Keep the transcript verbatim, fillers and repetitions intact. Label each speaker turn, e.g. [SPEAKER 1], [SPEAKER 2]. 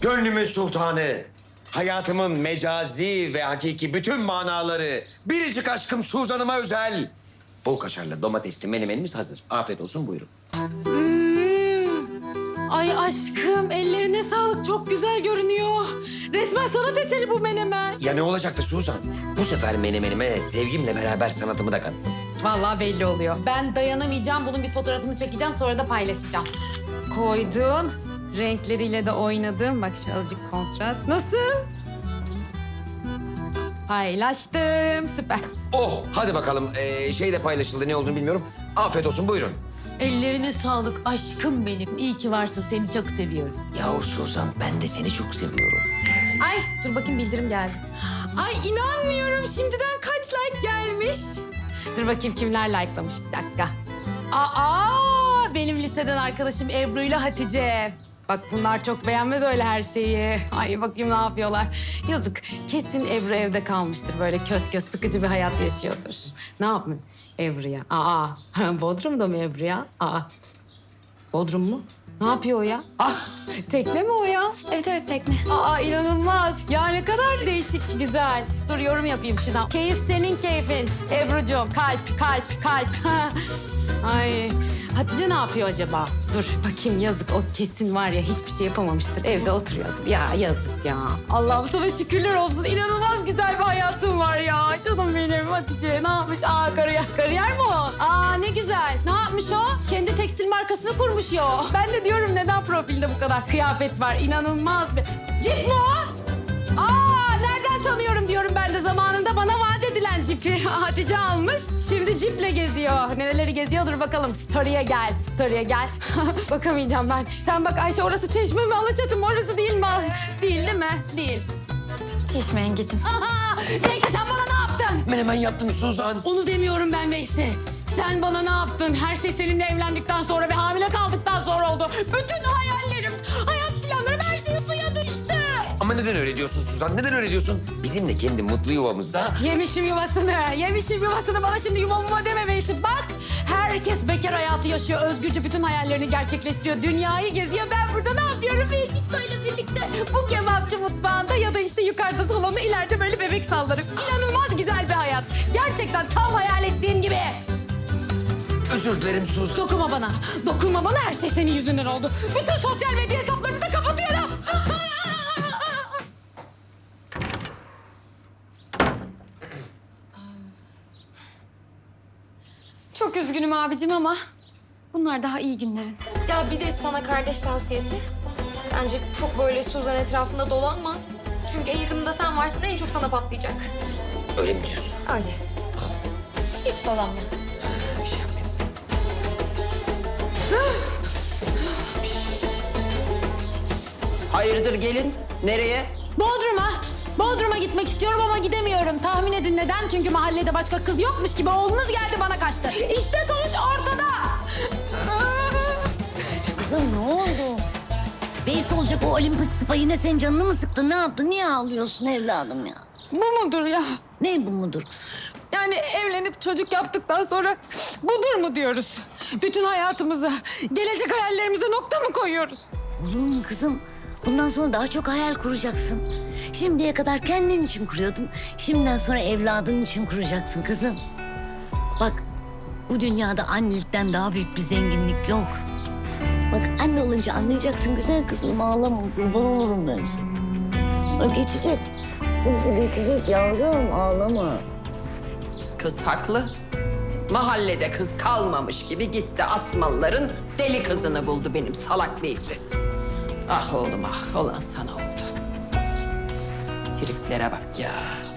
[SPEAKER 1] Gönlümün sultanı, hayatımın mecazi ve hakiki bütün manaları, biricik aşkım Suzan'ıma özel. Bol kaşarlı domatesli menemenimiz hazır. Afiyet olsun, buyurun.
[SPEAKER 2] Ay aşkım ellerine sağlık, çok güzel görünüyor. Resmen sanat eseri bu menemen.
[SPEAKER 1] Ya ne olacaktı Suzan? Bu sefer menemenime sevgimle beraber sanatımı da kattım.
[SPEAKER 2] Vallahi belli oluyor. Ben dayanamayacağım, bunun bir fotoğrafını çekeceğim, sonra da paylaşacağım. Koydum, renkleriyle de oynadım. Bak şimdi azıcık kontrast. Nasıl? Paylaştım, süper.
[SPEAKER 1] Oh, hadi bakalım. Ee, şey de paylaşıldı, ne olduğunu bilmiyorum. Afiyet olsun, buyurun.
[SPEAKER 2] Ellerine sağlık aşkım benim. İyi ki varsın, seni çok seviyorum.
[SPEAKER 1] Yahu Suzan, ben de seni çok seviyorum.
[SPEAKER 2] Ay dur bakayım, bildirim geldi. Ay inanmıyorum, şimdiden kaç like gelmiş. Dur bakayım kimler likelamış, bir dakika. Aa, benim liseden arkadaşım Ebru ile Hatice. Bak bunlar çok beğenmez öyle her şeyi. Ay bakayım ne yapıyorlar. Yazık, kesin Ebru evde kalmıştır. Böyle kös kös sıkıcı bir hayat yaşıyordur. Ne yapayım Ebru'ya? Aa, Bodrum'da mı Ebru ya? Aa, Bodrum mu? Ne yapıyor o ya? Ah, tekne mi o ya?
[SPEAKER 3] Evet evet tekne.
[SPEAKER 2] Aa inanılmaz. Ya ne kadar değişik, güzel. Dur yorum yapayım şuradan. Keyif senin keyfin. Ebru'cum kalp, kalp, kalp. Ay Hatice ne yapıyor acaba? Dur bakayım, yazık, o kesin var ya hiçbir şey yapamamıştır. Evde oturuyordur. Ya yazık ya. Allah'ım sana şükürler olsun. İnanılmaz güzel bir hayatım var ya. Canım benim Hatice ne yapmış? Aa kariyer, kariyer mi o? Aa ne güzel. Ne yapmış o? Kendi tekstil markasını kurmuş ya o. Ben de diyorum neden profilde bu kadar kıyafet var? İnanılmaz bir... Cip mi o? Aa nereden tanıyorum diyorum ben de, zamanında bana vaat edilen cipi Hatice almış. Şimdi ciple geziyor. Nereleri geziyordur bakalım. Story'e gel, story'e gel. Bakamayacağım ben. Sen bak Ayşe, orası Çeşme mi Alaçatı mı, orası değil mi? Değil değil mi? Değil.
[SPEAKER 3] Çeşme yengecim.
[SPEAKER 2] Aha! Neyse sen bana ne yaptın?
[SPEAKER 1] Menemen yaptım Suzan.
[SPEAKER 2] Onu demiyorum ben Veysi. Sen bana ne yaptın? Her şey seninle evlendikten sonra ve hamile kaldıktan sonra oldu. Bütün hayallerim, hayat planlarım, her şey suya düştü.
[SPEAKER 1] Ama neden öyle diyorsun Suzan? Neden öyle diyorsun? Bizim de kendi mutlu yuvamızda...
[SPEAKER 2] Yemişim yuvasını, yemişim yuvasını. Bana şimdi yuva muva deme Veysi. Bak, herkes bekar hayatı yaşıyor. Özgürce bütün hayallerini gerçekleştiriyor. Dünyayı geziyor. Ben burada ne yapıyorum Veysi'yle birlikte? Bu kebapçı mutfağında ya da işte yukarıda salonda, ileride böyle bebek sallarım. İnanılmaz güzel bir hayat. Gerçekten tam hayal ettiğim gibi.
[SPEAKER 1] Özür dilerim Suzan.
[SPEAKER 2] Dokunma bana. Dokunma bana. Her şey senin yüzünden oldu. Bütün sosyal medya hesaplarımı da kapatıyorum.
[SPEAKER 3] Çok üzgünüm abicim ama bunlar daha iyi günlerin. Ya bir de sana kardeş tavsiyesi. Bence çok böyle Suzan etrafında dolanma. Çünkü en yakınında sen varsın, en çok sana patlayacak.
[SPEAKER 1] Öyle mi diyorsun?
[SPEAKER 3] Öyle. Hiç dolanma.
[SPEAKER 1] Bir şey yapmayayım.
[SPEAKER 4] Hayırdır gelin? Nereye?
[SPEAKER 2] Bodrum'a. Bodrum'a gitmek istiyorum ama gidemiyorum. Tahmin edin neden? Çünkü mahallede başka kız yokmuş gibi oğlunuz geldi bana kaçtı. İşte sonuç ortada.
[SPEAKER 5] Kızım ne oldu? Beysi olacak o olimpik spa yine senin canını mı sıktı? Ne yaptı? Niye ağlıyorsun evladım ya?
[SPEAKER 2] Bu mudur ya?
[SPEAKER 5] Ne bu mudur kızım?
[SPEAKER 2] Yani evlenip çocuk yaptıktan sonra budur mu diyoruz? Bütün hayatımıza, gelecek hayallerimize nokta mı koyuyoruz?
[SPEAKER 5] Olur mu kızım? Bundan sonra daha çok hayal kuracaksın. Şimdiye kadar kendin için kuruyordun. Şimdiden sonra evladın için kuracaksın kızım. Bak bu dünyada annelikten daha büyük bir zenginlik yok. Bak anne olunca anlayacaksın güzel kızım, ağlama, kurban olurum ben sana. O geçecek. Hepsi geçecek yavrum, ağlama.
[SPEAKER 4] Kız haklı. Mahallede kız kalmamış gibi gitti Asmalıların deli kızını buldu benim salak beysi. Ah oğlum ah, olan sana oldu. Triplere bak ya.